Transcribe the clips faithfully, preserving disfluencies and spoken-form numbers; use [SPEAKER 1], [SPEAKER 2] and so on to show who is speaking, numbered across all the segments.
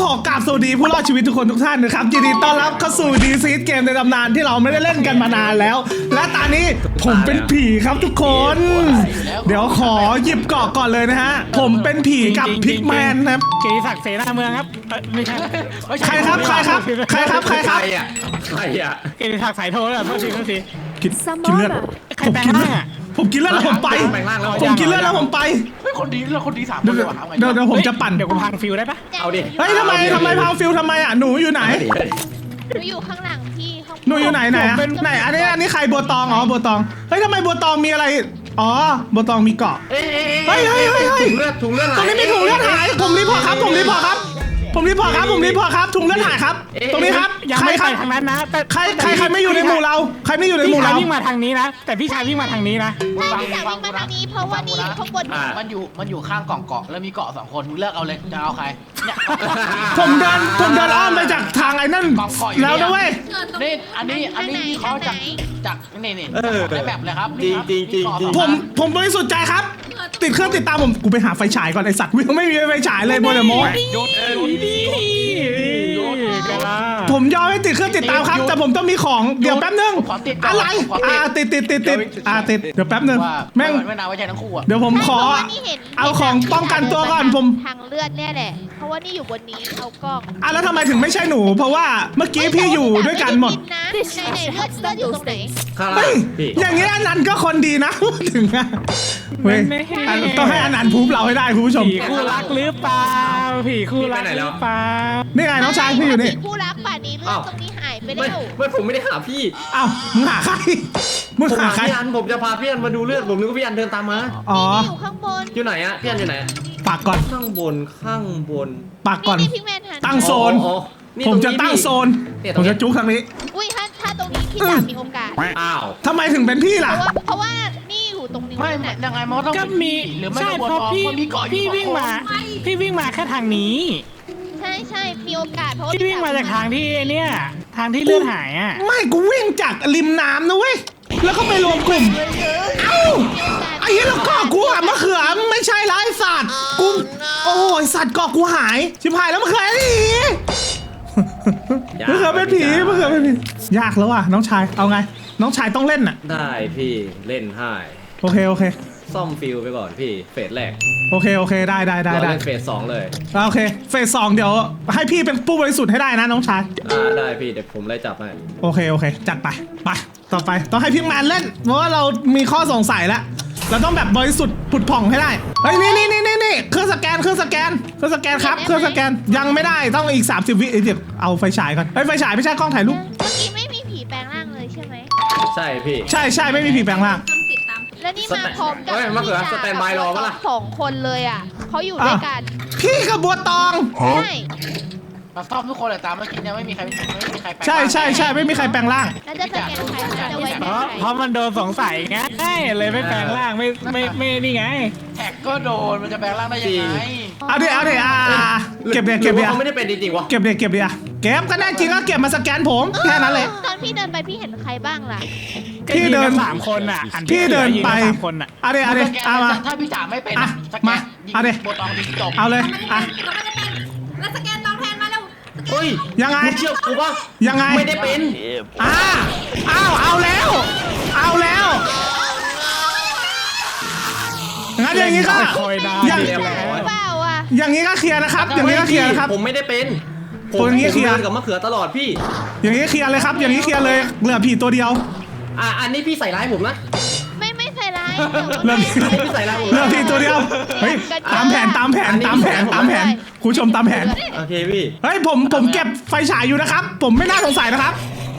[SPEAKER 1] ขอกราบสวัสดีผู้รอดชีวิตทุกคนทุกท่านนะครับยินดีต้อนรับเข้าสู่ดีซีเกมในตำนานที่เราไม่ได้เล่นกันมานานแล้วและตอนนี้ผมเป็นผีครับทุกคนเดี๋ยวขอหยิบเกาะก่อนเลยนะฮะผมเป็นผีกับพิกแมนครับ
[SPEAKER 2] เกีศักดิ์เสนาเมืองครับไม่ใช่
[SPEAKER 1] ใครครับใครครับใครครับใครครับ
[SPEAKER 3] ใครอ่ะ
[SPEAKER 2] เกีศักดิ์สายโทรแล้วโทษทีโทษที
[SPEAKER 1] กินกินเลือด
[SPEAKER 2] ใคร
[SPEAKER 1] ผม
[SPEAKER 2] แปลง
[SPEAKER 1] กิน
[SPEAKER 2] ร่า
[SPEAKER 1] เลือด
[SPEAKER 2] งอ่ะ
[SPEAKER 1] ผมกินเลือดแล้วผมไปผมกินเลือดแล้วผมไป
[SPEAKER 4] เฮ้ยคนดีเราคนดีสามค
[SPEAKER 1] เดี๋ย
[SPEAKER 4] น
[SPEAKER 1] ว
[SPEAKER 4] เลยว่ะ
[SPEAKER 1] เดี๋ยวเดี๋ยวผมจะปั่น
[SPEAKER 2] เดี๋ยวกูพังฟิวได้ปะ
[SPEAKER 3] เอาดิ
[SPEAKER 1] เฮ้ยทำไมทำไมพาวฟิลทำไมอ่ะหนูอยู่ไหน
[SPEAKER 5] หนูอยู่ข้างหลังพี่ข้าง
[SPEAKER 1] หนูอยู่ไหนไหนอะไหนอันนี้อันนี้ใครบัวตองอ๋อบัวตองเฮ้ยทำไมบัวตองมีอะไรอ๋อบัวตองมีเกาะ
[SPEAKER 3] เฮ้ย
[SPEAKER 1] เฮ้ยเฮ้ยเฮ้ยเฮ้ย
[SPEAKER 3] ถุงเลือดถุงเลือด
[SPEAKER 1] ตรงนี้มีถุงเลือดหายผมรีพอร์ตครับผมรีพอร์ตครับผมรีพอร์ตครับผมรีพอร์ตครับถุงเลือดหายครับตรงนี้ครับ
[SPEAKER 2] ยัง
[SPEAKER 1] ใคร
[SPEAKER 2] ไม่
[SPEAKER 1] ค
[SPEAKER 2] ไป
[SPEAKER 1] รับ
[SPEAKER 2] ทางนั้นนะแต่
[SPEAKER 1] ใครใครใครไม่อยู่ในหมู่เราใครไม่อยู่ในห
[SPEAKER 2] พี่
[SPEAKER 1] มู่
[SPEAKER 2] ชาย
[SPEAKER 1] เรา
[SPEAKER 2] วิ่งมาทางนี้นะแต่พี่ชายวิ่งมาทางนี้นะ
[SPEAKER 5] ใช่พี่จากวิ่งมาทางนี้เพราะว่านี่อยู่ข้างบน
[SPEAKER 4] มันอยู่มันอยู่ข้างกล่องเกาะแล้วมีเกาะสองคนมึงเลือกเอาเลยจะเอาใครเนี่ย
[SPEAKER 1] ผมเดินผมเดินอ้อมไปจากทางไอ้นั่นแล้วนะเว้ย
[SPEAKER 4] นี่อันนี้อันนี้วิเคราะห์จากจากนี่นี่ได้แบบเลยครับ
[SPEAKER 3] จริงจริงจริงจริง
[SPEAKER 1] ผมผมบริสุทธิ์ใจครับ ติดเครื่องติดตามผมกูไปหาไฟฉายก่อนไอสัตว์ไม่มีไฟฉายเลยโมเดโม
[SPEAKER 4] หยุดหยุดดี
[SPEAKER 1] ผมยอมให้ติดเครื่องติดตามครับ แต่ผมต้องมีของเดี๋ยวแป๊บนึงอะไรอ่าติดติดติดติดอ่าติดเดี๋ยวแป๊บนึง
[SPEAKER 4] ว่า
[SPEAKER 1] แม่ง
[SPEAKER 4] ไม่นาไว้ใจทั้งคู่อ่ะ
[SPEAKER 1] เดี๋ยวผมขอเอาของป้องกันตัวก่อนผม
[SPEAKER 5] ทางเลือดเนี่ยแหละเพราะว่านี่อยู่บนนี้เอากล้อง
[SPEAKER 1] อ่ะแล้วทำไมถึงไม่ใช่หนู เพราะว่าเมื่อกี้พี่อยู่ด้วยกันหมด
[SPEAKER 5] นะไหนไหนเลือดเลือดอยู่ตรงไหน
[SPEAKER 3] ข้างล่า
[SPEAKER 1] เฮ้ย
[SPEAKER 3] งพี่
[SPEAKER 1] อย่างนี้อนันต์ก็คนดีนะ พูดถึงอะเว้ยอ่ะต้องให้อนันต์พูดเราให้ได้คุณผู้ชม
[SPEAKER 2] ผีคู่รักหรือเปล่าผีคู่รักหรือเปล่า
[SPEAKER 1] นี่ไงน้องชายพี่อยู่นี่
[SPEAKER 5] ผู้รักป่านนี้เลือดตรงนี้หายไป
[SPEAKER 3] ไม่
[SPEAKER 5] แล้ว
[SPEAKER 3] ไม่ผมไม่ได้หาพี่
[SPEAKER 1] เอ้ามึงหาใครมึง
[SPEAKER 3] ผม
[SPEAKER 1] หา
[SPEAKER 3] หา
[SPEAKER 1] ใคร
[SPEAKER 3] พี่อันผมจะพาพี่อันมาดูเลือดผมนึกว่าพี่อันเดินตามมา
[SPEAKER 1] อ๋อ
[SPEAKER 5] นี่อยู่ข้างบน
[SPEAKER 3] อยู่ไหนอะพี่อันอยู่ไหน
[SPEAKER 1] ปากก่อน
[SPEAKER 3] ข้างบนข้างบน
[SPEAKER 1] ปากก่อน
[SPEAKER 5] นี่พิกแมนหัน
[SPEAKER 1] ตั้งโซน
[SPEAKER 3] อ๋อนี่
[SPEAKER 1] ผม
[SPEAKER 3] รง
[SPEAKER 1] จะ
[SPEAKER 3] นี้
[SPEAKER 1] ตั้ง
[SPEAKER 3] พี่
[SPEAKER 1] โซน
[SPEAKER 3] เนี่ยต
[SPEAKER 1] ผ
[SPEAKER 3] รง
[SPEAKER 1] ม
[SPEAKER 3] นี้
[SPEAKER 1] จะจุกทางนี้
[SPEAKER 5] อุ้ยถ้าถ้าตรงนี้พี่จะมีโอกาส
[SPEAKER 3] อ้าว
[SPEAKER 1] ทำไมถึงเป็นพี่
[SPEAKER 5] เพ
[SPEAKER 1] ล่ะ
[SPEAKER 5] ราะว่าเพราะว่านี่อยู่ตรงนี้
[SPEAKER 4] ไม่
[SPEAKER 5] น่ะ
[SPEAKER 4] ยังไงมันต้อง
[SPEAKER 2] ก็มี
[SPEAKER 4] หรือไม่
[SPEAKER 2] ใช่
[SPEAKER 4] ก็บน
[SPEAKER 2] เพราะพี่
[SPEAKER 4] คนมีเกาะอยู่
[SPEAKER 2] พี่วิ่งมาพี่วิ่งมาแค่ทางนี้
[SPEAKER 5] ใช่ใช่มีโอกาสเพราะว่า
[SPEAKER 2] พี่วิ่งมาจากทางที่เนี่ยทางที่เลือดหายอ่ะ
[SPEAKER 1] ไม่กูวิ่งจากริมน้ำนะเว้ยแล้วก็ไปรวมกลุ่มเอ้าไอ้เหี้ยแล้วก็กูอะมะเขือไม่ใช่ละไอ้สัตว์กูโอ้ยสัตว์เกาะกูหายชิบหายแล้วมะเขือไอ้มะเขือเป็นผีมะเขือเป็นผียากแล้วอ่ะน้องชายเอาไง น้องชายต้องเล่นน่ะ
[SPEAKER 3] ได้พี่เล่นให้
[SPEAKER 1] โอเคโอเค
[SPEAKER 3] ซ่อมฟิลไปก่อนพี่เฟสแรก
[SPEAKER 1] โอเคโอเคได้ได้ได้
[SPEAKER 3] เรา
[SPEAKER 1] ได้
[SPEAKER 3] เล่นเฟสสองเลย
[SPEAKER 1] โอเคเฟสสองเดี๋ยวให้พี่เป็นผู้บริสุทธิ์ให้ได้นะน้องชาย
[SPEAKER 3] อ่าได้พี่เดี๋ยวผมไล่จับให้
[SPEAKER 1] โอเคโอเคจัดไปไปต่อไปต้องให้พิกแมนเล่นเพราะว่าเรามีข้อสงสัยแล้วเราต้องแบบบริสุทธิ์ผุดผ่องให้ได้เฮ้ยนี่นี่นี่นี่นี่เครื่องสแกนเครื่องสแกนเครื่องสแกนครับเครื่องสแกนยังไม่ได้ต้องอีกสามสิบวิเดี๋ยวเอาไฟฉายก่อนเฮ้ยไฟฉายไม่ใช่กล้องถ่ายรูป
[SPEAKER 5] เมื่อกี้ไม่มีผีแปลงร่างเลยใช่ไหม
[SPEAKER 3] ใช่พี่
[SPEAKER 1] ใช่ใช่ไม่มีผีแปลงร่าง
[SPEAKER 5] แล้วนี่มาพร้อมกับ
[SPEAKER 3] เฮ้ยมะเขือสแตนบายรอปะล่ะ
[SPEAKER 5] สองคนเลยอ่ะเขาอยู่ด้วยกัน
[SPEAKER 1] พี่กับบัวตอง
[SPEAKER 5] ใช่
[SPEAKER 4] มาซ่อมทุกคนเลยตามเมื่อกี้เนี่ยไม่มีใครไม่มีใครแปลง
[SPEAKER 1] ใช่ใช่ใช่ไม่มีใครแปลงร่าง
[SPEAKER 5] แล้วจะสแกนใครจะไว้
[SPEAKER 2] เพ
[SPEAKER 5] แก
[SPEAKER 2] ราะ
[SPEAKER 5] นใคร
[SPEAKER 2] เพราะมันโดนสงสัยไงเลยไม่แปลงร่างไม่ไม่ไม่นี่ไง
[SPEAKER 4] แท็กก็โดนมันจะแปลงร่างได้ยังไง
[SPEAKER 1] เอาดิเอาดิอ่าเก็บเดี๋ยวเก็บ
[SPEAKER 3] หรื
[SPEAKER 1] เดี๋
[SPEAKER 3] อ
[SPEAKER 1] ยว
[SPEAKER 3] ว่าเขาไม่ได้เป็นจริงๆวะ
[SPEAKER 1] เก็บเดี๋ยวเก็บเดี๋ยวเก็บก็ได้จริงก็เก็บมาสแกนผมแค่นั้นเลย
[SPEAKER 5] ตอนพี่เดินไปพี่เห็นใครบ้างล่ะ
[SPEAKER 1] พี่เดิน
[SPEAKER 2] สามคนอ่ะอัน
[SPEAKER 1] พี่เดินไป
[SPEAKER 2] สามคนอ่ะ
[SPEAKER 1] เอาดิเอาดิเอามา
[SPEAKER 4] ถ้าพี่จ๋าไม่เป็น
[SPEAKER 1] อ่ะ
[SPEAKER 4] สแก
[SPEAKER 1] มาน
[SPEAKER 4] ยิง
[SPEAKER 1] เอาดิ
[SPEAKER 4] โบตองดิจบ
[SPEAKER 1] เอาเลยอ่ะ
[SPEAKER 6] แล้วสแกนตองแทนมาแล้ว
[SPEAKER 3] เฮ้ย
[SPEAKER 1] ยังไง
[SPEAKER 3] มึงเชื่อกูปะ
[SPEAKER 1] ยังไง
[SPEAKER 3] ไม่ได้เป็น
[SPEAKER 1] อ่าอ้าวเอาแล้ว เอาแล้วงั้นอย่างนี้ก็
[SPEAKER 2] คอยดาว
[SPEAKER 1] อย่าง
[SPEAKER 2] เดียว
[SPEAKER 5] หรือเปล่าอ่ะ
[SPEAKER 1] อย่างนี้ก็เคลียร์นะครับ อย่างนี้ก็เคลียร์นะครับ
[SPEAKER 3] ผมไม่ได้เป็นผ
[SPEAKER 1] ตัว
[SPEAKER 3] ม
[SPEAKER 1] นี้เคลียร์
[SPEAKER 3] ผมดินกับมะเขือตลอดพี่
[SPEAKER 1] อย่างนี้เคลียร์เลยครับ อย่างนี้เคลียร์เลยเหลือผีตัวเดียว
[SPEAKER 3] อ่ะอันนี้พี่ใส่ร้ายผมนะ
[SPEAKER 5] ไม่ไม่ใส่ร้าย
[SPEAKER 1] เริ่ม
[SPEAKER 3] ไม่ใส่ร้ายผม
[SPEAKER 1] เหลือผีตัวเดียวเฮ้ยตามแผนตามแผนตามแผนตามแผนคุณผู้ชมตามแผน
[SPEAKER 3] โอเคพี่
[SPEAKER 1] เฮ้ยผมผมเก็บไฟฉายอยู่นะครับ ผมไม่น่าสงสัยนะครับ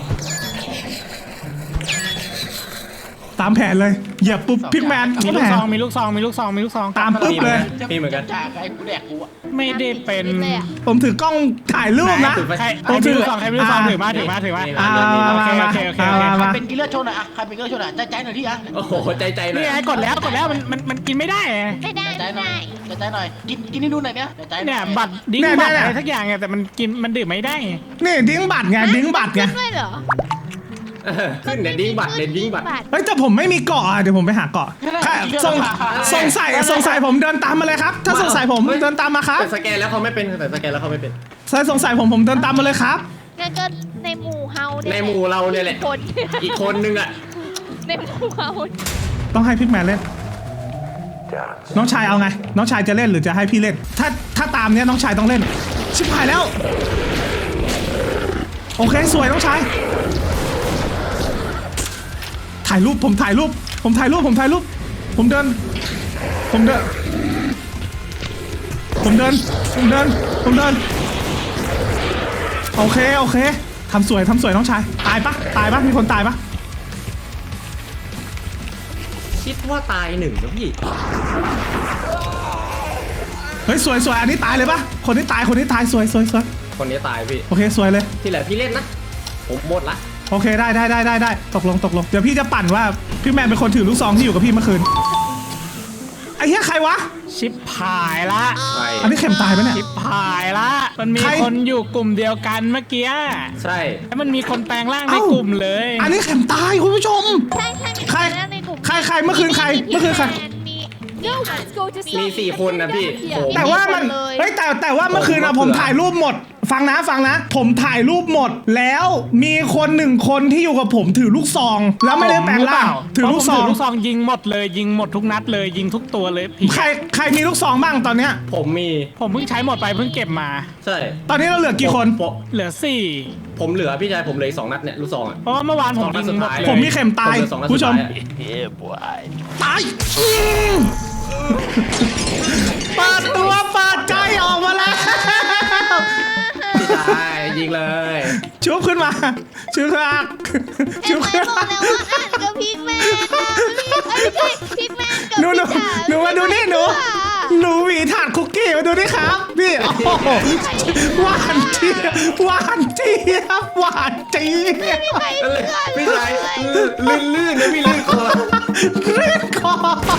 [SPEAKER 1] ตามแผนเลยเหยียบปุ๊บพิกแมน
[SPEAKER 2] มี
[SPEAKER 1] ก็
[SPEAKER 2] ลู
[SPEAKER 1] แผ
[SPEAKER 2] ก
[SPEAKER 1] น
[SPEAKER 2] ซองมีลูกซองมีลูกซองมีลูกซอง
[SPEAKER 1] ตามปุ๊บเลย
[SPEAKER 3] มีเหมือนกัน
[SPEAKER 4] จ่าไอ้กูแดกกูอ่ะ
[SPEAKER 2] ไม่ได้เป็น
[SPEAKER 5] เลยอ่ะ
[SPEAKER 1] ผมถือกล้องถ่ายรูปนะ
[SPEAKER 2] ใครใครมีลูกซองใครมีลูกซองถือมาถือมาถือมา
[SPEAKER 1] อ่า
[SPEAKER 2] โอเคโอเคโอเคโอเค
[SPEAKER 1] มา
[SPEAKER 4] ใคร
[SPEAKER 1] มา
[SPEAKER 4] เป็นกินเลือดโชว์หน่อยอ่ะใครเป็นกินเลือดโชว์หน่อยใจใจหน่อยที่อ่ะ
[SPEAKER 3] โอ้โหใจใจเลย
[SPEAKER 2] นี่ไงกดแล้วกดแล้วมันมันมันกินไม่ได้ไง
[SPEAKER 5] ไม่ได้
[SPEAKER 4] ใจ
[SPEAKER 5] ไม่
[SPEAKER 4] หน่อย
[SPEAKER 5] ได้
[SPEAKER 4] ใจใจหน่อยกินกินให้ดูหน่อยเนี่ยใจหน่
[SPEAKER 2] เนี่
[SPEAKER 4] อย ย
[SPEAKER 2] บัตรดิ้งบัตรอะไรสักอย่างไงแต่มันกินมันดื่มไม่ได้
[SPEAKER 1] นี่ดิ้งบัตรไงดิ้งบัตรไง
[SPEAKER 5] ขึ้นด้วยเหรอ
[SPEAKER 3] เออขึ้นเดี๋ยวดิ้งบัตรเดี๋ยวดิ้งบัตร
[SPEAKER 1] เฮ้ยแต่ผมไม่มีเกาะอ่ะเดี๋ยวผมไปหาเกาะแค่สงสงสัยสงสัยผมเดินตามมาเลยครับ ถ้าสงสัยผมเดินตามมาครับ
[SPEAKER 3] แต่สแกนแล้วเขาไม่เป็นแต่สแกนแล้วเขาไม่เป็น
[SPEAKER 1] สถ้าสงสัยผมผมเดินตามมาเลยครับ
[SPEAKER 5] งั้นก็ในหมู่เฮาเย
[SPEAKER 3] ในหมู่เราเนี่ยแหละ
[SPEAKER 5] คน
[SPEAKER 3] อีกคนนึงอ่ะ
[SPEAKER 5] ในหมู่เฮา
[SPEAKER 1] ต้องให้พิกแมนเล่น น้องชายเอาไง น้องชายจะเล่นหรือจะให้พี่เล่น ถ้าถ้าตามเนี้ยน้องชายต้องเล่น ชิบหายแล้ว โอเคสวยน้องชาย ถ่ายรูปผมถ่ายรูป ผมถ่ายรูปผมถ่ายรูป ผมเดิน ผมเดิน ผมเดิน ผมเดิน ผมเดิน โอเคโอเคทำสวยทำสวยน้องชาย ตายปะตายปะมีคนตายปะ
[SPEAKER 3] คิดว่าตายหนึ่งนะพี่
[SPEAKER 1] เฮ้ยสวยสวยอันนี้ตายเลยปะคนที่ตายคนที่ตายสวยสวยสวย
[SPEAKER 3] คนนี้ตายพี่
[SPEAKER 1] โอเคสวยเลย
[SPEAKER 3] ที่เหลือพี่เล่นนะ ผมหมดละ
[SPEAKER 1] โอเคได้ได้ได้ได้ได้ตกลงตกลงเดี๋ยวพี่จะปั่นว่าพี่แมนเป็นคนถือลูกซองที่อยู่กับพี่เมื่อคืนไอ้เหี้ยใครวะ
[SPEAKER 2] ชิปหายละ
[SPEAKER 3] ใช่
[SPEAKER 1] อันนี้เข็มตายปะเนี่ย
[SPEAKER 2] ชิปหายละมันมี
[SPEAKER 1] ใคร
[SPEAKER 2] คนอยู่กลุ่มเดียวกันเมื่อกี้
[SPEAKER 3] ใช่
[SPEAKER 2] แล้วมันมีคนแปลงร่างใน
[SPEAKER 1] เอ้าก
[SPEAKER 2] ลุ่มเลย
[SPEAKER 1] อันนี้เข็มตายคุณผู้ชม
[SPEAKER 5] ใช่ใช่มี
[SPEAKER 1] ใคร
[SPEAKER 5] นแล้วในกลุ่ม
[SPEAKER 1] ใครใครเมื่อคืนใครเมื่อคืนใคร
[SPEAKER 5] มี
[SPEAKER 6] No, let's go to
[SPEAKER 3] มีสี่คนนะพี่ผม
[SPEAKER 1] แต่ว่ามันเฮ้ยแต่แต่ว่าเมื่อคืนอะผมถ่ายรูปหมด ฟังนะฟังนะ ผมถ่ายรูปหมด แล้วมีคนหนึ่งคนที่อยู่กับผมถือลูกซอง แล้วไม่ได้แปลงร่างถือลูกซอง
[SPEAKER 2] เพราะผมถือลูกซองยิงหมดเลยยิงหมดทุกนัดเลยยิงทุกตัวเลยผี
[SPEAKER 1] ใครใครมีลูกซองบ้างตอนเนี้ย
[SPEAKER 3] ผมมี
[SPEAKER 2] ผมเพิ่งใช้หมดไปเพิ่งเก็บมา
[SPEAKER 3] ใช่
[SPEAKER 1] ตอนนี้เราเหลือกี่คน
[SPEAKER 3] ผม
[SPEAKER 2] เหลือสี่
[SPEAKER 3] ผมเหลือพี่ชายผมเหลืออีกสองนัดเนี่ยลูกซองอ่ะ
[SPEAKER 2] เพราะว่าเมื่อวานผม
[SPEAKER 3] สองนั
[SPEAKER 2] ยิ
[SPEAKER 3] ด
[SPEAKER 2] ง
[SPEAKER 3] สุด
[SPEAKER 2] หมด
[SPEAKER 3] ท้าย
[SPEAKER 2] เลย
[SPEAKER 1] ผมมีเข็มตาย
[SPEAKER 3] ผมเหลือสองนัด
[SPEAKER 1] ผู้ชม
[SPEAKER 3] สุดท้ายอะ
[SPEAKER 1] ตายอืมเปิดตัวเปิดใจออกมาแล้ว
[SPEAKER 3] พี่ชายยิงเลย
[SPEAKER 1] ชุบขึ้นมาชุบขึ้นมา
[SPEAKER 5] เอ็
[SPEAKER 1] ชุ
[SPEAKER 5] ม
[SPEAKER 1] บ
[SPEAKER 5] ไอ
[SPEAKER 1] ขึ้น
[SPEAKER 5] บอก
[SPEAKER 1] มา
[SPEAKER 5] แล้วว่าอ่านกับพิกแมนนะรีบเอ้ยไม่ใช่พิกแมนกับ
[SPEAKER 1] หนูหนู
[SPEAKER 5] พี่จ๋า
[SPEAKER 1] หนูมาดูนี่หนูหนูหวีถาดคุกกี้มาดูนี่ครับนี่โอ้โหหวานเจี๊ยบหวานเจี๊ยบหวานเจี๊ยบ
[SPEAKER 5] ไม่มีใครเชื่อเลย
[SPEAKER 3] พี่ชายลื่นลื่นนะพี่ลื่นคอ
[SPEAKER 1] เรียกคอ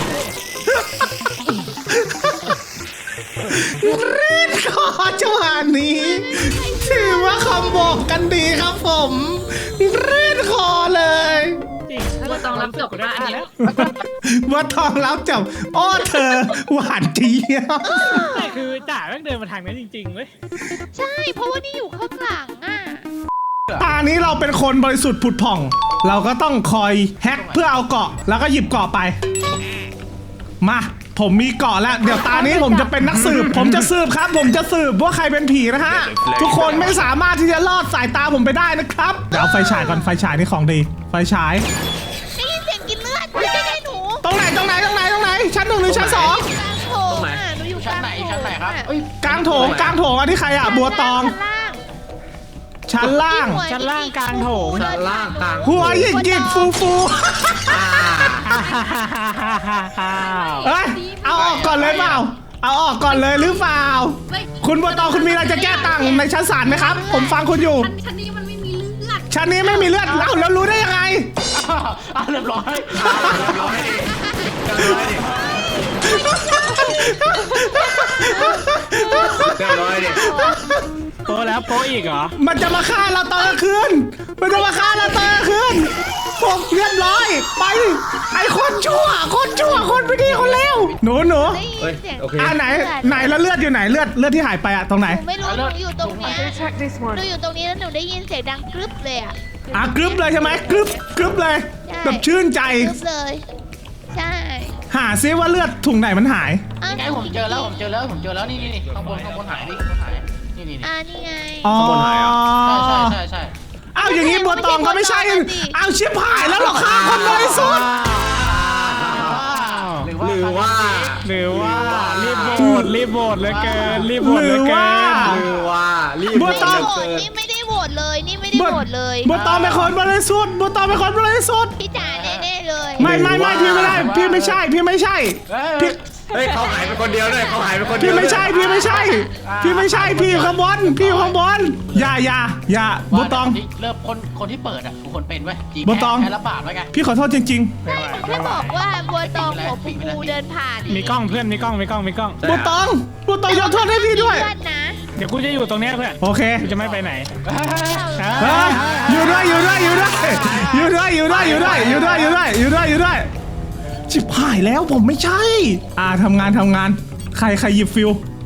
[SPEAKER 1] เรียกคอจังหวะนี้ถือว่าคำบอกกันดีครับผมเรียกคอเลย
[SPEAKER 2] จริง
[SPEAKER 6] บัวตองรับจบว่าอันนี้
[SPEAKER 1] ว่าทองรับจับอ้อเธอหวานเจี๊ยบ
[SPEAKER 2] แต่คือจ่าแม่งเดินมาทางนั้นจริงๆเว้ย
[SPEAKER 5] ใช่เพราะว่านี่อยู่ข้างหลังอ่ะ
[SPEAKER 1] ตานี้เราเป็นคนบริสุทธิ์ผุดผ่อง เราก็ต้องคอยแฮกเพื่อเอาเกาะแล้วก็หยิบเกาะไป มาผมมีเกาะแล้วเดี๋ยวตานี้ผมจะเป็นนักสืบ ผมจะสืบครับ ผมจะสืบว่าใครเป็นผีนะฮะทุกคนไม่สามารถที่จะลอดสายตาผมไปได้นะครับเดี๋ยวเอาไฟฉายก่อนไฟฉายนี่ของดี ไฟฉาย
[SPEAKER 5] ได้ยินเสียงกินเลือดไม่ใช่ได้หนู
[SPEAKER 1] ตรงไหนตรงไหนตรงไหนตรงไหนชั้นหนึ่งหรือชั้นสอง
[SPEAKER 5] กลางโถงอ่ะหนูอยู่ก
[SPEAKER 4] ชั้น
[SPEAKER 5] ลาง
[SPEAKER 4] ไหน
[SPEAKER 5] โถง
[SPEAKER 4] ชั้นไหนครับ
[SPEAKER 5] อ่ะ
[SPEAKER 4] เอ้ย
[SPEAKER 1] กลางโถงกลางโถงอันนี้ใครอ่ะบัวตอง
[SPEAKER 5] ชั้นล่าง
[SPEAKER 1] ชั้นล่าง
[SPEAKER 2] ชั้นล่างกลางโถง
[SPEAKER 3] ชั้นล่างกลาง
[SPEAKER 1] หัวหยิกหยิกฟูฟู
[SPEAKER 3] อ่า
[SPEAKER 1] เอ้ยเอาออกก่อนเลยเปล่าเอาออกก่อนเลยหรือเปล่า คุณบัวตองคุณมีอะไรจะแก้ต่างในชั้นศาลไหมครับ ผมฟังคุณอยู่
[SPEAKER 6] ชั้นชั้นนี้มันไม่มีเลือด
[SPEAKER 1] ชั้นนี้ไม่มีเลือดแล้วแล้วรู้ได้ยังไง
[SPEAKER 4] อ้าวเรียบร้อย
[SPEAKER 3] ร้อยดิเรียบร้อยดิ
[SPEAKER 2] โปะแล้วโปะอีกเหรอ
[SPEAKER 1] มันจะมาฆ่าเราตอนกลางคืน มันจะมาฆ่าเราตอนกลางคืนผมเรียบร้อย ไป ไอ้คนชั่ว คนชั่ว คนไม่ดีคนเลวหนูหนู
[SPEAKER 5] ได้ยิน
[SPEAKER 3] เฮ้ย
[SPEAKER 5] เสียง
[SPEAKER 3] โอเค
[SPEAKER 1] อ่าไหน ไหนแล้วเลือดอยู่ไหน เลือด เลือดที่หายไปอะตรงไหน
[SPEAKER 5] หนูไม่รู้หนูอยู่ตรงเนี้ยหนูอยู่ตรงนี้แล้วหนูได้ยินเสียงดังกรึบเลยอ่ะ
[SPEAKER 1] อ่ะกรึบเลยใช่ไหมกรึบกรึบเลย
[SPEAKER 5] ใช่
[SPEAKER 1] แบบชื่นใจ
[SPEAKER 5] กรึบเลย ใช่
[SPEAKER 1] หาซิว่าเลือดถุงไหนมันหาย
[SPEAKER 5] อ้าว
[SPEAKER 4] นี่ไงผมเจอแล้วผมเจอแล้วผมเจอแล้วนี่นี่นี่ข้างบนข้างบนหายนี่ข้างบนหายนี่นี่นี่
[SPEAKER 5] อ่านี่ไง
[SPEAKER 1] อ๋อ
[SPEAKER 3] ขบวนหายเหรอ
[SPEAKER 4] ใช่ใช่ใช่ใช่
[SPEAKER 1] อ้าวอย่างนี้บัวตองก็ไม่ใช่อ้าวชิบหายแล้วเหรอคะคนบริสุทธิ์
[SPEAKER 4] หรือ
[SPEAKER 3] หรือว่า
[SPEAKER 2] หรือว่ารีบโหวตรีบโหวตเหลือเกินรีบโหวตเหลือเกิน
[SPEAKER 3] หรือว่ารีบ
[SPEAKER 1] บัวตอง
[SPEAKER 5] โหวตนี่ไม่ได้โหวตเลยนี่ไม่ได้โหวตเลย
[SPEAKER 1] บัวตองเป็นคนบริสุทธิ์บัวตองเป็นคนบริสุทธิ์
[SPEAKER 5] พี่จ๋าแน่ๆเลย
[SPEAKER 1] ไม่ไม่ไม่พี่ไม่ได้ พี่ไม่ใช่ พี่ไม่ใช่พี่
[SPEAKER 3] เฮ้ยเขาหายไปคนเดียวด้วยเขาหายไปคนเดี
[SPEAKER 1] พี่
[SPEAKER 3] ยว
[SPEAKER 1] ไม่ใช่ พี่ไม่ใช่ พี่ไม่ใช่ พี่อยู่ข้างบน พี่อยู่ข้างบน อย่าอย่าอย่าบัวตอง
[SPEAKER 4] เริ่มคนคนที่เปิดอ่ะคือคนเป็นไว้จริง
[SPEAKER 1] บัวตอง
[SPEAKER 4] แค่ระบาดไว้ไง
[SPEAKER 1] พี่ขอโทษจริง
[SPEAKER 5] ใช่ผมแค่บอกว่าบัวตองหัวปูปูเดินผ่าน
[SPEAKER 2] มีกล้องเพื่อนมีกล้องมีกล้องมีกล้อง
[SPEAKER 1] ๆบัวตองบัวตองยกโทษให้พี่ด้วย
[SPEAKER 5] เลือดนะ
[SPEAKER 2] เดี๋ยวกูจะอยู่ตรงเนี้ยเพื่อน
[SPEAKER 1] โอเค
[SPEAKER 2] กูจะไม่ไปไหน
[SPEAKER 1] เฮ้ยอยู่ด้วยอยู่ด้วยอยู่ด้วยอยู่ด้วยอยู่ด้วยอยู่ด้วยอยู่ด้วยอยู่ด้วยอยู่ด้วยอยู่ด้วยชิบหายแล้วผมไม่ใช่ อ่าทำงานทำงาน ใครใครหยิบฟิว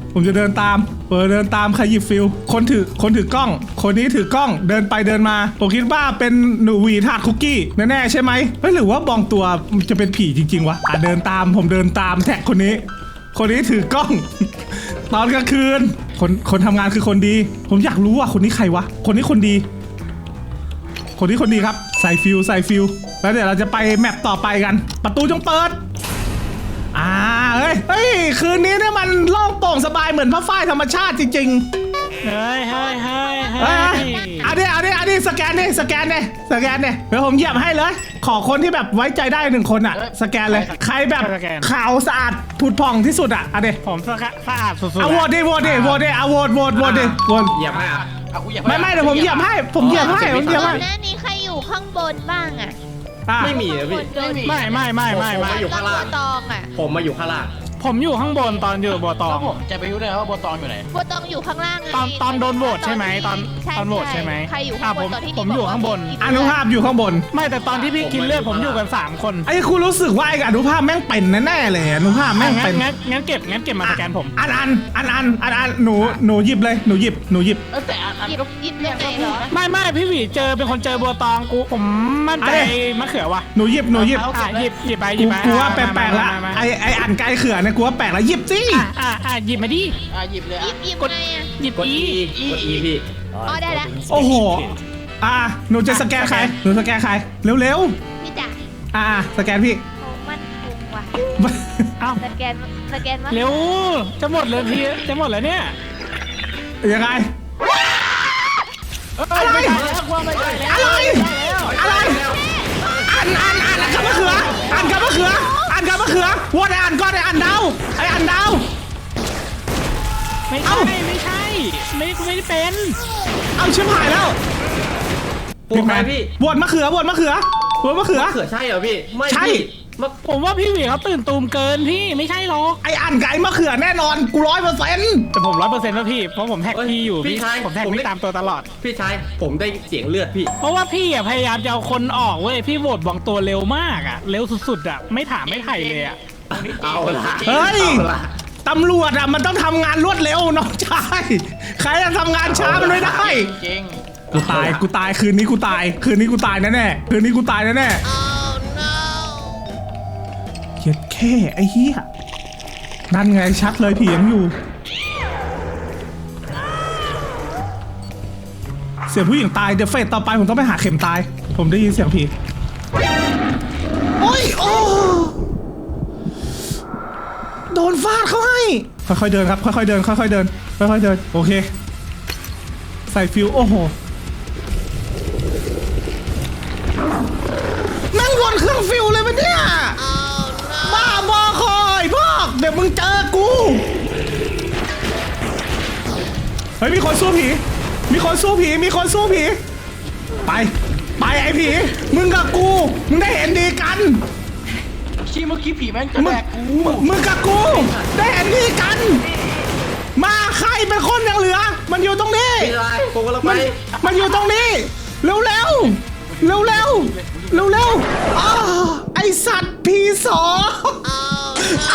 [SPEAKER 1] ผมจะเดินตามเปิดเดินตามใครหยิบฟิลคนถือคนถือกล้อง คนนี้ถือกล้องเดินไปเดินมาผมคิดว่าเป็นหนูหวีถาดคุกกี้แน่ๆใช่ไหมเฮ้ยหรือว่าบองตัวจะเป็นผีจริงๆวะอ่ะเดินตามผมเดินตามแท็กคนนี้ คนนี้ถือกล้อง ตอนกลางคืนคนคนทำงานคือคนดี ผมอยากรู้ว่าคนนี้ใครวะคนนี้คนดี คนนี้คนดีครับใส่ฟิลใส่ฟิลแล้วเดี๋ยวเราจะไปแมปต่อไปกัน ประตูจงเปิดอ่าเฮ้ยเฮ้ยคืนนี้เนี่ยมันโล่งโปร่งสบายเหมือนผ้าฝ้ายธรรมชาติจริงๆ
[SPEAKER 2] เฮ้ยเฮ้ยเฮ้ย
[SPEAKER 1] เฮ้
[SPEAKER 2] เฮ้
[SPEAKER 1] ย
[SPEAKER 2] ย
[SPEAKER 1] เอาดิเอาดิเอาดิสแกนดิสแกนดิสแกนดิเดี๋ยวผมเหยียบให้เลย ขอคนที่แบบไว้ใจได้หนึ่งคนอ่ะ สแกนเลย ใครแบบขาวสะอาดผุดผ่องที่สุดอ่ะเอาดิ
[SPEAKER 2] ผมสะอาดสะอาดสุดๆ
[SPEAKER 1] เอาโหวตดิโหวตดิโหวตดิเอาโหวตโหวตโหวตดิโหวต
[SPEAKER 3] เหยียบให้อ่ะ
[SPEAKER 4] เอากูเหยียบ
[SPEAKER 1] ไม่ไม่เดี๋ยวผมเหยียบให้ผมเหยียบให้ผมเหยียบ
[SPEAKER 5] ก่อ
[SPEAKER 1] ให้
[SPEAKER 5] นหน้านี้ใครอยู่ข้างบนบ้างอะ
[SPEAKER 1] อ่ะ
[SPEAKER 3] ไม่มีนะพี่
[SPEAKER 2] ไม่ไม่ไม่ไม่ไม่
[SPEAKER 3] อยู่ข้างล่าง
[SPEAKER 5] บัวตองอะ
[SPEAKER 3] ผมมาอยู่ข้างล่าง
[SPEAKER 2] ผมอยู่ข้างบนตอนอยู่บัวตอ
[SPEAKER 4] แล้
[SPEAKER 2] ง
[SPEAKER 4] วผมจะไปรู้ได้ว่าบัวตองอยู่ไหน
[SPEAKER 5] บัวตองอยู่ข้างล่างไง
[SPEAKER 2] ตอนตอนโดนโหวตใช่ไหมตอน
[SPEAKER 5] ใช่
[SPEAKER 2] ตอนโหวตใช่ไหม
[SPEAKER 5] ใครอยู่
[SPEAKER 2] อ่ะ
[SPEAKER 5] ข้างบ
[SPEAKER 2] ผ
[SPEAKER 5] น
[SPEAKER 2] ม
[SPEAKER 5] ตอนที่
[SPEAKER 2] ผมอยู่ข้างบน
[SPEAKER 1] อนุภาพอยู่ข้างบน
[SPEAKER 2] ไม่แต่ตอนที่พี่กินเลือดผมอยู่กันสามคน
[SPEAKER 1] ไอ้คุณรู้สึกว่าไอ้อนุภาพแม่งเป็นแน่ๆเลยอนุภาพแม่ง
[SPEAKER 2] งั้
[SPEAKER 1] เป็น น
[SPEAKER 2] งั้นงั้นเก็บงั้นเก็บมาสแกนผม
[SPEAKER 1] อันอันอันอันอันอันหนูหนูหยิบเลยหนูหยิบหนูหยิบ
[SPEAKER 4] เออแต่อันอัน
[SPEAKER 5] หยิบ
[SPEAKER 4] ก็
[SPEAKER 5] หยิบเรื่องไหนเหรอ
[SPEAKER 2] ไม่ไม่พี่หวีเจอเป็นคนเจอบัวตองกูผมมั่นใจ
[SPEAKER 1] เอ้ย
[SPEAKER 2] มะเขือว่ะ
[SPEAKER 1] หนูหยิบหนูหยิบ
[SPEAKER 2] อ่ะหยิบหยิบไปหยิ
[SPEAKER 1] กู
[SPEAKER 2] บไป
[SPEAKER 1] กูว่าแปลกๆละ
[SPEAKER 2] มามามา
[SPEAKER 1] ไอไออันไกลเขื่อนเนี่ยกูว่าแปลกละหยิบสิ
[SPEAKER 2] อ่ะอ่ะอ่ะหยิบมาดิ
[SPEAKER 4] อ่ะหยิบเลย
[SPEAKER 5] หยิ
[SPEAKER 4] อ่ะ
[SPEAKER 5] บหยิบ
[SPEAKER 2] กด
[SPEAKER 5] ไงอะ
[SPEAKER 2] หยิบ
[SPEAKER 3] กด
[SPEAKER 2] อี
[SPEAKER 3] E กด E พี่
[SPEAKER 5] อ๋อได้แล้ว
[SPEAKER 1] โอ้โหอ่ะหนูจะสแกนใครหนูสแกนใครเร็ว
[SPEAKER 5] พี่จ๋า
[SPEAKER 1] ๆอ่ะสแกนพี่
[SPEAKER 5] เขามั่นคงว่ะ
[SPEAKER 2] เอ้า
[SPEAKER 5] สแกนสแกนมา
[SPEAKER 2] เร็วจะหมดเลยพี่จะหมดแล้วเนี่ย
[SPEAKER 1] ยังไง
[SPEAKER 4] อะไรไม่ได้แล้วว่าไม่ได้แล้ว
[SPEAKER 1] อะไรอะไรอันอันอันอันกับมะเขืออันกับมะเขืออันกับมะเขือวัวไออันก้อนไออันดาวไออันดาว
[SPEAKER 2] ไม่
[SPEAKER 1] เอ้า
[SPEAKER 2] ใช่ไม่ใช่ไม่ไม่ได้เป็น
[SPEAKER 1] เอาชิบหายแล้ว
[SPEAKER 3] ปวดไหมพี่
[SPEAKER 1] บวชมะเขือบวชมะเขือบวชมะเขือ
[SPEAKER 3] มะเขือใช่เหรอพี่ ไม่
[SPEAKER 1] ใช่
[SPEAKER 3] พี่มะ
[SPEAKER 2] ผมว่าพี่หวีเขาตื่นตูมเกินพี่ไม่ใช่หรอก
[SPEAKER 1] ไออันไก่มะเขือแน่นอนกูร้อยเปอร์เซ็นต์
[SPEAKER 2] แต่ผมร้อยเปอร์เซ็นต์แล้วพี่เพราะผมแท็กพี่อยู่
[SPEAKER 3] พี่ชาย
[SPEAKER 2] ผมแท็กพี่ตามตัวตลอด
[SPEAKER 3] พี่ชายผมได้เสียงเลือดพี่
[SPEAKER 2] เพราะว่าพี่อ่ะพยายามจะเอาคนออกเว้ยพี่โหวตบางตัวเร็วมากอ่ะเร็วสุดๆอ่ะไม่ถามไม่ไถ่เลยอ่ะ
[SPEAKER 3] เอาละ
[SPEAKER 1] เฮ้ย
[SPEAKER 3] เอาละ
[SPEAKER 1] ตำรวจอะมันต้องทำงานรวดเร็วน้องชายใครจะทำงานช้ามันไม่ได้
[SPEAKER 4] จริง
[SPEAKER 1] กูตายกูตายคืนนี้กูตาย คืนนี้กูตายแน่แน่ๆคืนนี้กูตายแน่แน่
[SPEAKER 5] oh no
[SPEAKER 1] เหี้ยแค่ไอ้เหี้ยนั่นไงชัดเลยผียังอยู่ เสียงผู้หญิงตายเดี๋ยวเฟสต่อไปผมต้องไปหาเข็มตาย ผมได้ยินเสียงผีโอ้ยโอ้โดนฟาดเขาให้ค่อยๆเดินครับค่อยๆเดินค่อยๆเดินค่อยๆเดินโอเคใส่ฟิวโอ้โหนั่งวนเครื่องฟิวเลยมันเนี่ย
[SPEAKER 5] oh no
[SPEAKER 1] บ้าบอคอยพวกเดี๋ยวมึงเจอกูเฮ้ยมีคนสู้ผีมีคนสู้ผีมีคนสู้ผีไปไปไอ้ผีมึงกับกูมึงได้เห็นดีกัน
[SPEAKER 4] ชี้เมื่อกี้ผีแม่งจะ
[SPEAKER 1] มึ
[SPEAKER 4] แด
[SPEAKER 1] ง
[SPEAKER 4] กกู
[SPEAKER 1] มึงกับกูได้เห็นดีกัน มาใครเป็นคนยังเหลือ มันอยู่ตรงนี้
[SPEAKER 3] พี่ชายผมกำลังไป
[SPEAKER 1] มันมันอยู่ตรงนี้ เร็วเร็วเร็วเร็วเร็วเร็วๆอ้าวไอสัตว์พีสองไอ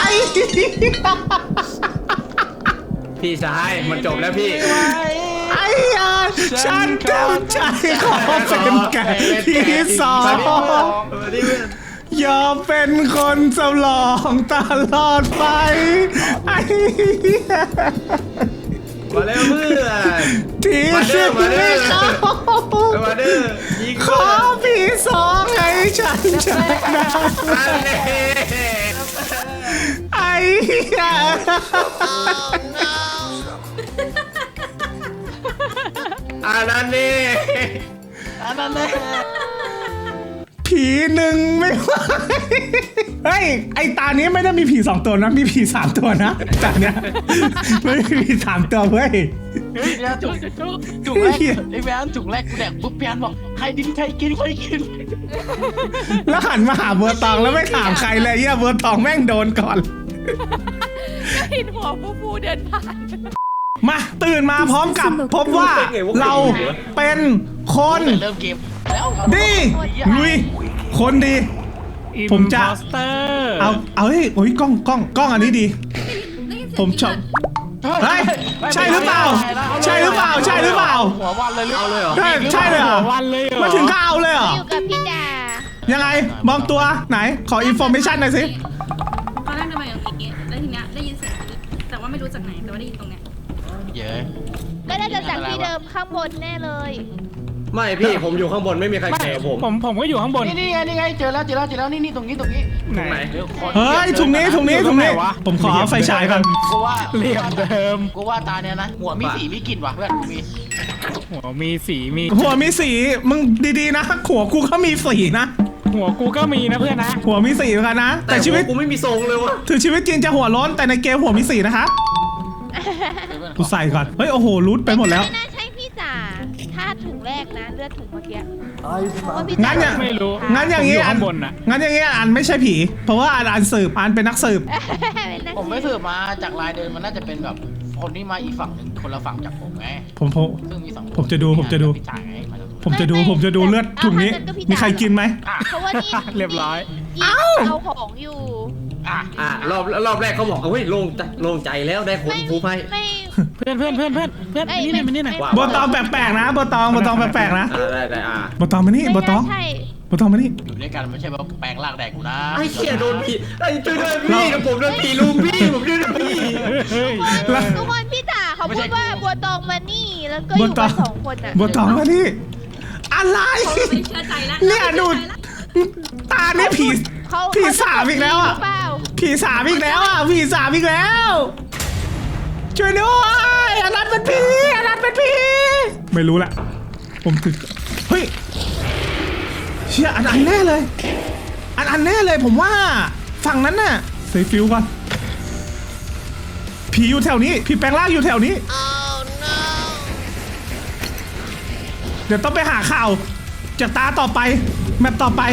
[SPEAKER 3] พี่ชายมันจบแล้วพี่
[SPEAKER 1] ไอ้ยาฉันเต็มใจขอเป็นแก่พีสอง ยอมเป็นคนสำรองตลอดไปไอ้เหี้ย
[SPEAKER 3] มาเร็วเพื่อน
[SPEAKER 1] ทีสิไม่เข้า
[SPEAKER 3] มาเด้อยิง
[SPEAKER 1] ขอผีสองให้ฉันชนะ
[SPEAKER 3] อันนี้
[SPEAKER 1] ไอ้เหี้ย
[SPEAKER 3] อันนั้นนี่
[SPEAKER 4] อันนั้นเลย
[SPEAKER 1] ผีหนึ่งไม่ไหวเฮ้ยไอตานี้ไม่ได้มีผีสองตัวนะมีผีสามตัวนะตาเนี้ยไม่มีผีสามตัวเว้ย
[SPEAKER 4] เฮ้ยเนี่ยจุกจุกแรกไอ้แมนจุกแรกกูแดกปุ๊บแมนบอกใครดินใครกินใครกิน
[SPEAKER 1] แล้วหันมาหาเบอร์ตองแล้วไม่ถามใครเลยเหี้ยเบอร์ตองแม่งโดนก่อน
[SPEAKER 6] เห็นหัวฟูฟูเดินผ่าน
[SPEAKER 1] มาตื่นมาพร้อมกับพบว่าเราเป็นคน
[SPEAKER 4] เริ่มเกมแล้ว
[SPEAKER 1] ดีลุยคนดี ผมจะ
[SPEAKER 2] Imposter
[SPEAKER 1] เอาเอาเฮ้ยโอ้ยกล้องกล้องกล้องอันนี้ดี ผมชอบเฮ้ยใช่หรือเปล่าใช่หรือเปล่าใช่หรือเปล่า
[SPEAKER 4] หัววันเลยหรือ
[SPEAKER 3] เอาเลยเหรอ
[SPEAKER 1] ใช่ใช่เลยเหรอ
[SPEAKER 2] วันเลยเหรอ
[SPEAKER 1] มาถึงก็เอาเลยเหรอ
[SPEAKER 5] อยู่กับพี่ดา
[SPEAKER 1] ยังไงมองตัวไหนขออินโฟเมชันหน่อยสิ
[SPEAKER 7] ตอนแรกเดินมาอย่างนี้แล้วทีเนี้ยได้ยินเสียงกรี๊ดแต่ว่าไม่รู้จากไหนแต่ว่าได้ยินตรงเนี้ย
[SPEAKER 4] เย้
[SPEAKER 5] ก็น่าจะจากที่เดิมข้างบนแน่เลย
[SPEAKER 3] ไม่พี่ผมอยู่ข้างบนไม่มีใครแคร์ผม
[SPEAKER 2] ผมผมก็อยู่ข้างบน
[SPEAKER 4] นี่นี่ไงนี่ไงเจอแล้วเจอแล้วเจอแล้วนี่นี่ตรงนี้ตรงนี้
[SPEAKER 2] ไหน
[SPEAKER 3] ไหน
[SPEAKER 4] เดี๋ยวคน
[SPEAKER 1] เฮ้ยถุงนี้ถุงนี้ถุงนี้
[SPEAKER 2] อยู่ตรงไหนวะ
[SPEAKER 1] ผมขอเอาไฟฉายก่อน
[SPEAKER 4] กูว่า
[SPEAKER 2] เหลี่ยมเดิม
[SPEAKER 4] กูว่าตาเนี้ยนะหัวมีสีมีกลิ่นว่ะเพื่อนกูมี
[SPEAKER 2] หัวมีสีมี
[SPEAKER 1] หัวมีสีมึงดีๆนะหัวกูก็มีสีนะ
[SPEAKER 2] หัวกูก็มีนะเพื่อนนะ
[SPEAKER 1] หัวมีสีเหมือนกันนะ
[SPEAKER 3] แต่
[SPEAKER 1] แต่
[SPEAKER 3] ชี
[SPEAKER 1] ชี
[SPEAKER 3] วิ
[SPEAKER 1] วิ
[SPEAKER 3] ต
[SPEAKER 1] ต
[SPEAKER 3] กูไม่มีทรงเลยวะ
[SPEAKER 1] ถึงชีวิตจริงจะหัวโล้นแต่ในเกมหัวมีสีนะครับกูใส่ก่อนเฮ้ยโอ้โหรูดไปหมดแล้ว
[SPEAKER 5] ไม่น่าใช่พี่จ๋าถ้าถุงแรกนะเลือดถุงเมื่อกี้เพราะว่าพี่
[SPEAKER 1] งั้นอย่า
[SPEAKER 2] ไม่รู้
[SPEAKER 1] งั้นอย่างงี้
[SPEAKER 2] ผมอยู่
[SPEAKER 1] อัน
[SPEAKER 2] ข้างบนน่ะ
[SPEAKER 1] งั้นอย่างงี้อันไม่ใช่ผี เพราะว่าอันอันสืบอันเป็นนักสืบ
[SPEAKER 4] ผมไม่สืบมาจากลายเดินมันน่าจะเป็นแบบคนที่มาอีกฝั่งหนึ่งคนละฝั่งจากผมไง
[SPEAKER 1] ผมผม
[SPEAKER 4] ซึ่งมีสองคน
[SPEAKER 1] ผมจะดูผมจะดู
[SPEAKER 4] พี่จ่ายไงมาจาก
[SPEAKER 1] ผมจะดูผมจะดูเลือดถุงนี้ มีใครกินไหม
[SPEAKER 4] อ่ะ
[SPEAKER 5] เพราะว่านี่
[SPEAKER 2] เรียบร้อย
[SPEAKER 5] เอ้าเอาของอยู่
[SPEAKER 4] อ่ะ
[SPEAKER 3] อ่ะรอบรอบแรกเขาบอกเฮ้ยโล่งใจโล่งใจแล้วได้คนฟูไพ่
[SPEAKER 5] ไม่
[SPEAKER 2] เพื่อนเพื่อนเพื่อนเพื่อนเพื่อน
[SPEAKER 5] ไม่
[SPEAKER 2] นี่
[SPEAKER 5] ไม่
[SPEAKER 2] นี่มานี่หน่อย
[SPEAKER 5] ไม่
[SPEAKER 1] โบตองแปลกๆนะโบตองโบตองแปลกๆนะ
[SPEAKER 3] อ่าได้ได้อ่า
[SPEAKER 1] โบตองมานี่โบ
[SPEAKER 5] ไม่
[SPEAKER 1] ตอ
[SPEAKER 5] น่าง ใช่
[SPEAKER 1] โบตองมานี่
[SPEAKER 4] อยู่ด้วยกันไม่ใช่ว่าแปลงร่างแดกกูนะ
[SPEAKER 3] ไอ้เชี่ยโดนผีไอ้ช่วยด้วยพี่กับผมโดนผีลุงพี่ผมช่วยด้วยพี่
[SPEAKER 2] เฮ้ย
[SPEAKER 5] ทุกคนพี่จ๋าเขาพูดว่าบัวตองมานี่แล้วก็อ
[SPEAKER 1] โบ
[SPEAKER 5] ยู่
[SPEAKER 1] ตอ
[SPEAKER 5] กั
[SPEAKER 1] ง
[SPEAKER 5] นสองคนอ่ะ
[SPEAKER 1] โบตองมานี่อะไร
[SPEAKER 7] เขาไม่เชื่อใจแล้ว
[SPEAKER 1] เนี่ยดูตาเนี่ยผี
[SPEAKER 5] เขา
[SPEAKER 1] ผีสามอีกแล้วอ่ะ
[SPEAKER 5] หรือเปล่า
[SPEAKER 1] ผีสามอีกแล้วอ่ะผีสามอีกแล้ว ช่วยด้วยอันนั้นเป็นผีอันนั้นเป็นผีไม่รู้ละผมถึงเฮ้ยเชี่ยอันอันแน่เลย อันอันแน่เลยผมว่าฝั่งนั้นน่ะใส่ฟิวก่อนผีอยู่แถวนี้ผีแปลงร่างอยู่แถวนี้ เดี๋ยวต้องไปหาข่าวจากตาต่อไปแมปต่อไป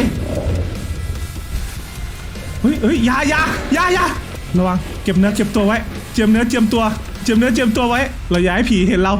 [SPEAKER 1] เฮ้ยเฮ้ยอยาอยาอยาอยาระวังเก็บเนื้อเก็บตัวไว้เจียมเนื้อเจียมตัวเจียมเนื้อเจียมตัวไว้เราอย่าให้ผีเห็นเรา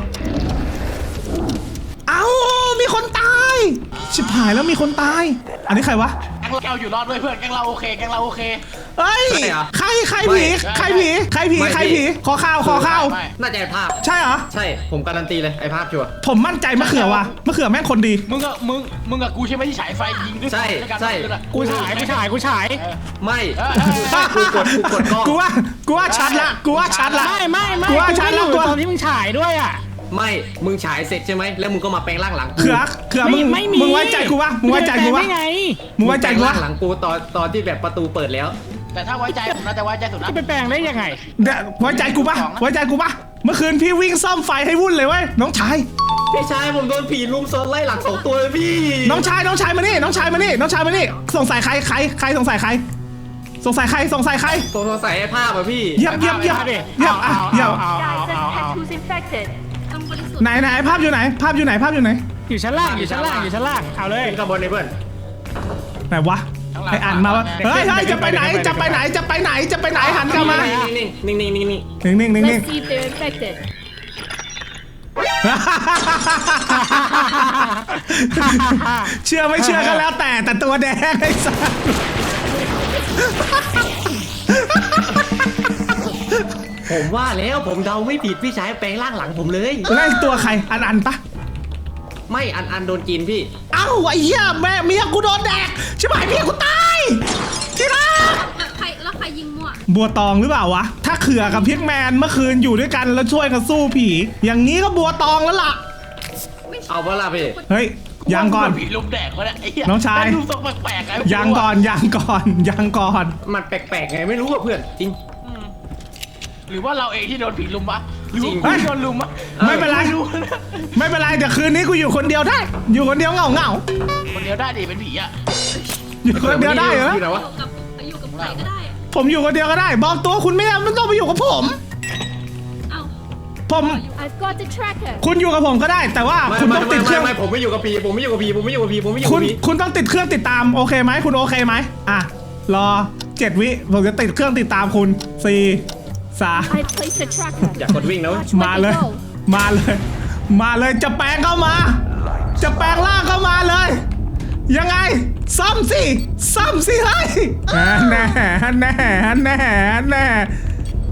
[SPEAKER 1] เอ้ามีคนตายชิบหายแล้วมีคนตายอันนี้ใครวะ
[SPEAKER 4] แกงเราอยู่รอดด้วยเพื่อนแกงเราโอเคแกงเราโอเค
[SPEAKER 1] เฮ้ย
[SPEAKER 3] ใช่เหรอ
[SPEAKER 1] ใครใครผีใครผีใครผี
[SPEAKER 3] ไม่
[SPEAKER 1] ใคร
[SPEAKER 3] พี่
[SPEAKER 1] ผีขอข่าวขอข่าว
[SPEAKER 4] ไม่
[SPEAKER 3] น่าจะไอ้ภาพ
[SPEAKER 1] ใช่เหรอ
[SPEAKER 3] ใช่ผมการันตีเลยไอ้ภาพชัวร์
[SPEAKER 1] ผมมั่นใจมะเขือว่ะมะเขือแม่งคนดี
[SPEAKER 4] มึงกับมึงมึงกับกูใช่ไหมที่ฉายไฟยิงด้วย
[SPEAKER 3] ใช่
[SPEAKER 4] ด้วยกัน
[SPEAKER 3] ใช่
[SPEAKER 4] ด้วยกัน
[SPEAKER 2] กูฉายกูฉายกูฉาย
[SPEAKER 4] เออ
[SPEAKER 3] ไม่
[SPEAKER 4] เออเออเออ
[SPEAKER 3] กูกดกูกดกล้อง
[SPEAKER 1] กูว่ากูว่าชัดละกูว่าชัดละ
[SPEAKER 2] ไม่ไม่ไม่
[SPEAKER 1] กูว่าฉัน
[SPEAKER 2] ไม่
[SPEAKER 1] แล้ว
[SPEAKER 2] อยู่
[SPEAKER 1] กูว่า
[SPEAKER 2] ตอนที่มึงฉายด้วยอ่ะ
[SPEAKER 3] ไม่มึงฉายเสร็จใช่ไหมแล้วมึงก็มาแปลงร่างหลังกู
[SPEAKER 1] เขือเขือมึง
[SPEAKER 2] ไม่มี
[SPEAKER 1] มึงไว้ใจกูวะมึงไว้ใจกูวะ
[SPEAKER 2] ไม่ไง
[SPEAKER 1] มึงไว้ใจกู
[SPEAKER 3] แปลง
[SPEAKER 1] วะ
[SPEAKER 3] ร่างหลังกูตอนตอนที่แบบประตูเปิดแล้ว
[SPEAKER 4] แต่ถ้าไว้ใจผมน่าจะไว้ใจสุดนะ
[SPEAKER 2] จะไปแปลงได้ยังไง
[SPEAKER 1] เดี๋ยวไว้ใจกูปะไว้ใจกูปะเมื่อคืนพี่วิ่งซ่อมไฟให้วุ่นเลยเว้ยน้องชาย
[SPEAKER 3] พี่ชายผมโดนผีลุมซ้อนไล่หลังสองตัวเลยพี่
[SPEAKER 1] น้องชายน้องชายมานี่น้องชายมานี่น้องชายมานี่สงสัยใครใครใครสงสัยใครสงสัยใครสงสัยใคร
[SPEAKER 3] ตัวสงสัยไอ้ภาพอะพี่
[SPEAKER 1] เยี่ยมเยี่ยมเยี่ยม
[SPEAKER 2] เอาดิ
[SPEAKER 1] เยี่ยมอ่ะ
[SPEAKER 2] เอา
[SPEAKER 1] เยี่ยม
[SPEAKER 2] เอาเอาเอาเอา
[SPEAKER 7] ต้องบริสุทธิ์
[SPEAKER 1] ไหนไหนภาพอยู่ไหน ภาพอยู่ไหนภาพอยู่ไหน
[SPEAKER 2] อยู่ชั้นล่างอยู่ชั้นล่างอยู่ชั้นล่างเอาเลย
[SPEAKER 3] ขึ้นข้างบนเลยเพื่อน
[SPEAKER 1] ไหนวะไออ่านมาวะเฮ้ยเฮ้ยจะไปไหนจะไปไหนจะไปไหนจะไปไหนหันกลับมา
[SPEAKER 3] นิ่งๆนิ่งๆนิ่งๆนิ่ง
[SPEAKER 1] นิ่งนิ่งนิ่งนิ่ง
[SPEAKER 7] Let's see if they're infected
[SPEAKER 1] เชื่อไม่เชื่อก็แล้วแต่แต่ตัวแดงไอ้สัส
[SPEAKER 3] ๆผมว่าแล้วผมเดาไม่ผิดพี่ชายแปลงร่างหลังผมเลย
[SPEAKER 1] แล้วไอ้ตัวใครอันอันปะ
[SPEAKER 3] ไม่อันอันโดนกินพี่
[SPEAKER 1] เอ้าไอ้เหี้ยแม่เมียกูโดนแดกใช่ไหมเมียกูตายที่รัก
[SPEAKER 7] แล้วใครแล้วใครยิงมั่ว
[SPEAKER 1] บัวตองหรือเปล่าวะถ้าเขือกับพิกแมนเมื่อคืนอยู่ด้วยกันแล้วช่วยกันสู้ผี อย่างนี้ก็บัวตองแล้วล่ะ
[SPEAKER 3] เอาเวลาพี่
[SPEAKER 1] เฮ้ยยังก่อน
[SPEAKER 4] ผีลุมแดกวะเนี่ยไอ้เหี้ย
[SPEAKER 1] น้องชาย
[SPEAKER 4] แต่ดูทรงแปลกๆไง
[SPEAKER 1] ยังก่อนยังก่อนยังก่อน
[SPEAKER 3] มันแปลกๆไงไม่รู้อะเพื่อนจริง
[SPEAKER 4] อืมหรือว่าเราเองที่โดนผีลุมวะหรือว่า
[SPEAKER 3] จริง
[SPEAKER 4] กูที่โดนลุมวะ
[SPEAKER 1] ไม่เป็นไร
[SPEAKER 4] ไม่รู้นะ
[SPEAKER 1] ไม่เป็นไรเดี๋ยวคืนนี้กูอยู่คนเดียวได้ อยู่คนเดียวเหงาเหงา
[SPEAKER 4] คนเดียวได้ดิเป็นผีอะ
[SPEAKER 1] ๆอยู่คนเดียวได้เหรอ
[SPEAKER 3] อยู่ไหนวะ
[SPEAKER 7] อยู่กับอยู่กับใครก็ได้อะ
[SPEAKER 1] ผมอยู่คนเดียวก็ได้ บอกตัวคุณไม่ไม่ต้องไปอยู่กับผม
[SPEAKER 7] เอ้า
[SPEAKER 1] ผม
[SPEAKER 5] I've got the tracker
[SPEAKER 1] คุณอยู่กับผมก็ได้ แต่ว่า
[SPEAKER 3] ไม่
[SPEAKER 1] คุณ
[SPEAKER 3] ไม่
[SPEAKER 1] ต้อง
[SPEAKER 3] ไม่
[SPEAKER 1] ติดเค
[SPEAKER 3] ไม่
[SPEAKER 1] รื่อง
[SPEAKER 3] ไม่ผมไม่อยู่กับผีผมไม่อยู่กับผีผมไม่อยู่กับผีผมไม่อยู่กับผีผมไม่อยู่
[SPEAKER 1] คุ
[SPEAKER 3] กับ
[SPEAKER 1] ณ
[SPEAKER 3] ผี
[SPEAKER 1] คุณต้องติดเครื่องติดตามโอเคไหมคุณโอเคไหมอ่ะรอเจ็ดวิผมจะติดเครื่องติดตามคุณสี่สาม
[SPEAKER 5] I placed the tracker
[SPEAKER 3] อยากกดวิ่งนะเว้ย
[SPEAKER 5] Watch
[SPEAKER 1] มา
[SPEAKER 5] where
[SPEAKER 1] เลย
[SPEAKER 5] they go
[SPEAKER 1] มาเลย มาเลยจะแปลงเข้ามา จะแปลงร่างเข้ามาเลย ยังไงซ่อมสิซ่อมสิเฮ้ยแน่แน่แน่แน่แน่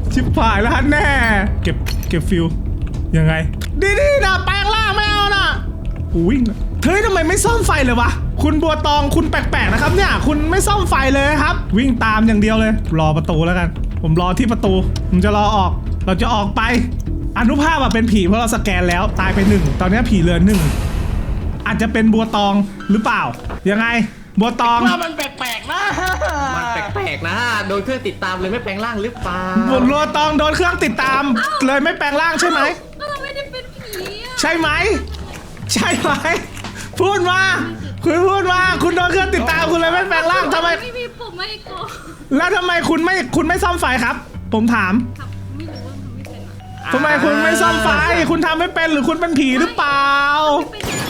[SPEAKER 1] ชิบหายแล้วฮะแน่เก็บเก็บฟิวยังไงดีดีนะแปลงร่างไม่เอานะกูวิ่งนะเฮ้ยทำไมไม่ซ่อมไฟเลยวะคุณบัวตองคุณแปลกๆนะครับเนี่ยคุณไม่ซ่อมไฟเลยครับวิ่งตามอย่างเดียวเลยรอประตูแล้วกันผมรอที่ประตูผมจะรอออกเราจะออกไปอนุภาพอะเป็นผีเพราะเราสแกนแล้วตายไปหนึ่งตอนนี้ผีเหลือหนึ่งอาจจะเป็นบัวตองหรือเปล่ายังไงบัวตอง
[SPEAKER 4] ว่ามันแปลกๆนะ
[SPEAKER 3] มันแปลกๆนะโดนเครื่องติดตามเลยไม่แปลงร่างหรือเปล่า
[SPEAKER 1] บัวตองโดนเครื่องติดตามเลยไม่แปลงร่างใช่ไหม
[SPEAKER 7] ก็เราไม่ได้เป็นผีอะ
[SPEAKER 1] ใช่ไหมใช่ไหมพูดมาคุณพูดมาคุณโดนเครื่องติดตามคุณเลยไม่แปลงร่างทำไม
[SPEAKER 7] ไม่มีผมไม่โกง
[SPEAKER 1] แล้วทำไมคุณไม่คุณไม่ซ่อมไฟครับ ผมถาม
[SPEAKER 7] ครับไม่รู้ว่าทำไม่เป็นอะ
[SPEAKER 1] ทำไมคุณไม่ซ่อมไฟคุณทำไม่เป็นหรือคุณเป็นผีหรือเปล่า
[SPEAKER 7] ไม่เป็น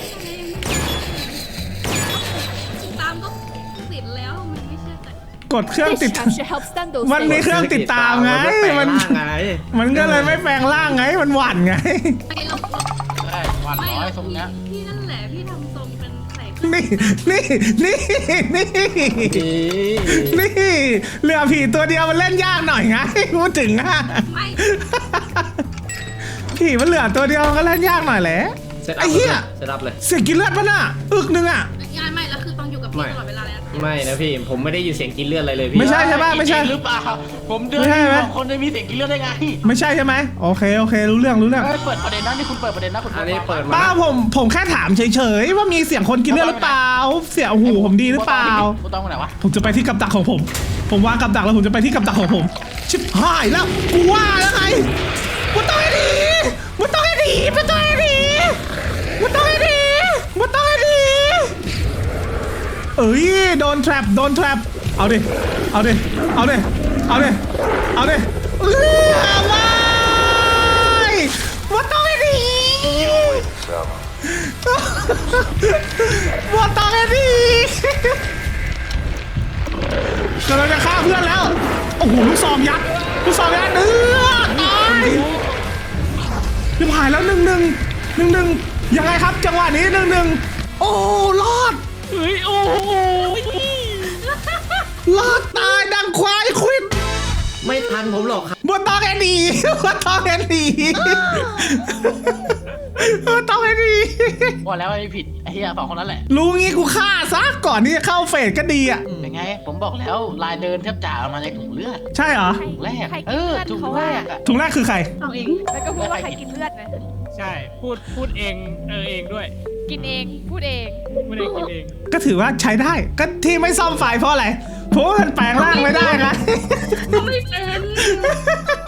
[SPEAKER 7] ตามก็ติดแล้วมันไม่ใช่แต่
[SPEAKER 1] กดเครื่องติด มันมีเครื่องติดตามไง
[SPEAKER 3] ไม่แปลง
[SPEAKER 1] มัน
[SPEAKER 3] ร่างไง
[SPEAKER 1] มันก็เลยไม่แปลงร่างไงมันหวั่นไง
[SPEAKER 7] ไอเรา
[SPEAKER 4] ใช่หวัน
[SPEAKER 7] ไม่
[SPEAKER 4] น้อย
[SPEAKER 7] เรา
[SPEAKER 4] ตรงเนี้ย
[SPEAKER 7] พี่นั่นแหละพี่ทำทรงเป็นใส่
[SPEAKER 1] นี่นี่นี่นี่นี่เหลือผีตัวเดียวมันเล่นยากหน่อยไงพูดถึงอะ
[SPEAKER 7] ไม่
[SPEAKER 1] ผีมันเหลือตัวเดียวมันก็เล่นยากหน่อยแหละ
[SPEAKER 3] เซตอั
[SPEAKER 1] ไอ้
[SPEAKER 3] พ
[SPEAKER 1] เหี้ย
[SPEAKER 3] เซตอัพเลย
[SPEAKER 1] เสียงกินเลือดปะน่ะอึกนึงอะ
[SPEAKER 7] งานไม่แล้วคือต้องอยู่กับพี่ตลอดเวลาเลยนะ
[SPEAKER 3] ไม่นะพี่ผมไม่ได้ยินเสียงกินเลือดอะไรเลยพี่
[SPEAKER 1] ไม่ใช่ใช่ปะไม่ใช่
[SPEAKER 4] หรือเปล่าผมเดิน
[SPEAKER 1] ไม่ใช่ไหม
[SPEAKER 4] สองคนจะมีเสียงกินเลือดได้ไง
[SPEAKER 1] ไม่ใช่ใช่ไหมโอเคโอเครู้เรื่องรู้เรื่อง
[SPEAKER 4] เฮ้ยเปิดประเด็นนะนี่คุณเปิดประเด็นนะคุณ
[SPEAKER 3] อันนี้เปิดมา
[SPEAKER 1] ป้าผมผมแค่ถามเฉยๆว่ามีเสียงคนกินเลือดหรือเปล่า เสียงหูผมดีหรือเปล่า
[SPEAKER 4] กูต้องไปไหนวะ
[SPEAKER 1] ผมจะไปที่กับดักของผม ผมวางกับดักแล้วผมจะไปที่กับดักของผม ชิบหายแล้วกูว่าแล้วไงกูต้องให้ดีกูต้องให้ดีกูต้องให้ดีกูต้องให้ดีกูต้องให้ดีเอ้ยโดนแทรปโดนแทรปเอาดิเอาดิเอาดิเอาดิเอาดิเออว้ายกูต้องให้ดีกูต้องให้ดีกำลังจะฆ่าเพื่อนแล้ว โอ้โหลูกซองยัดลูกซองยัดเนื้อตายรีบหายแล้วหนึ่งหนึ่งหนึ่งหนึ่งยังไงครับจังหวะนี้หนึ่งหนึ่งโอ้รอด
[SPEAKER 2] เฮ้ยโอ้โห
[SPEAKER 1] รอดตายดังควายควิด
[SPEAKER 3] ไม่ทันผมหรอกครับ
[SPEAKER 1] บัวตองแอนดีบัวตองแอนดีบัวตองแอนดี
[SPEAKER 4] ว่าแล้วไอ้ผิดไอ้เหี้ยสองคนนั้นแหละ
[SPEAKER 1] รู้งี้กูฆ่าซะก่อนที่จะเข้าเฟสก็ดีอ่ะ
[SPEAKER 4] เป็นไงผมบอกแล้วลายเดินแทบจ่ามาจากถุงเลือด
[SPEAKER 1] ใช่เหรอ
[SPEAKER 4] ถุงแรก
[SPEAKER 5] ใคร
[SPEAKER 4] เอ
[SPEAKER 5] กิน
[SPEAKER 4] อ
[SPEAKER 5] เลือด
[SPEAKER 4] ถุง
[SPEAKER 5] เขา
[SPEAKER 4] แร
[SPEAKER 5] ว่าก
[SPEAKER 4] อะ
[SPEAKER 1] ถุงแรกคือใคร
[SPEAKER 7] เอาเอง
[SPEAKER 5] แล้วก็พูดว่าใครกินเลือดนะ
[SPEAKER 2] ใช่พูดพูดเองเออเองด้วย
[SPEAKER 5] กินเองพูดเอง
[SPEAKER 2] ไม่ได้กินเอง
[SPEAKER 1] ก็ถือว่าใช้ได้ก็ที่ไม่ซ่อมไฟเพราะอะไรเพราะว่ามันแปลงร่างไม่ได้นะ
[SPEAKER 7] เขาไม่เป็น